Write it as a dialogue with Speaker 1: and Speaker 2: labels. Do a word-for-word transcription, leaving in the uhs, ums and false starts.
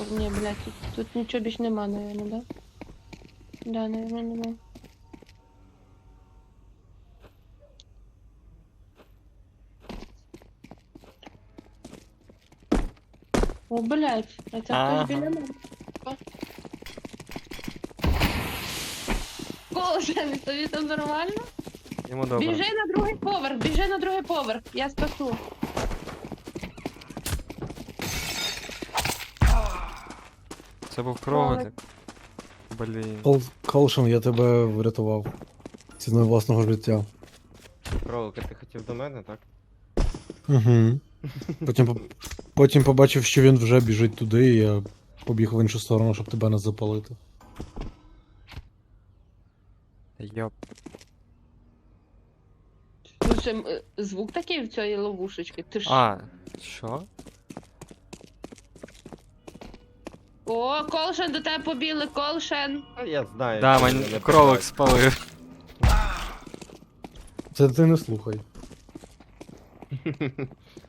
Speaker 1: Ні, блядь, тут, тут нічого більш нема, наверное, да? Да, наверное, нема. О, блядь, а це
Speaker 2: Ага.
Speaker 1: хтось біля мене. Колшен, тобі там нормально?
Speaker 2: Йому добре.
Speaker 1: Біжи на другий поверх, біжи на другий поверх, я спасу.
Speaker 2: Це був кролик. Блін.
Speaker 3: Кол... Колшин, я тебе врятував. Ціною власного життя.
Speaker 4: Кролик, а ти хотів до мене, так?
Speaker 3: Угу. Потім, по- потім побачив, що він вже біжить туди, і я побіг в іншу сторону, щоб тебе не запалити.
Speaker 2: Йоп.
Speaker 1: Слушай, м, е, звук такий в цієї ловушечки. Ти ж.
Speaker 2: А, що?
Speaker 1: О, Колшен, до тебе побігли, Колшен.
Speaker 4: А я знаю.
Speaker 2: Да,
Speaker 4: що
Speaker 2: мені
Speaker 4: мене
Speaker 2: кролик
Speaker 4: питають.
Speaker 2: спалив.
Speaker 3: Це ти не слухай.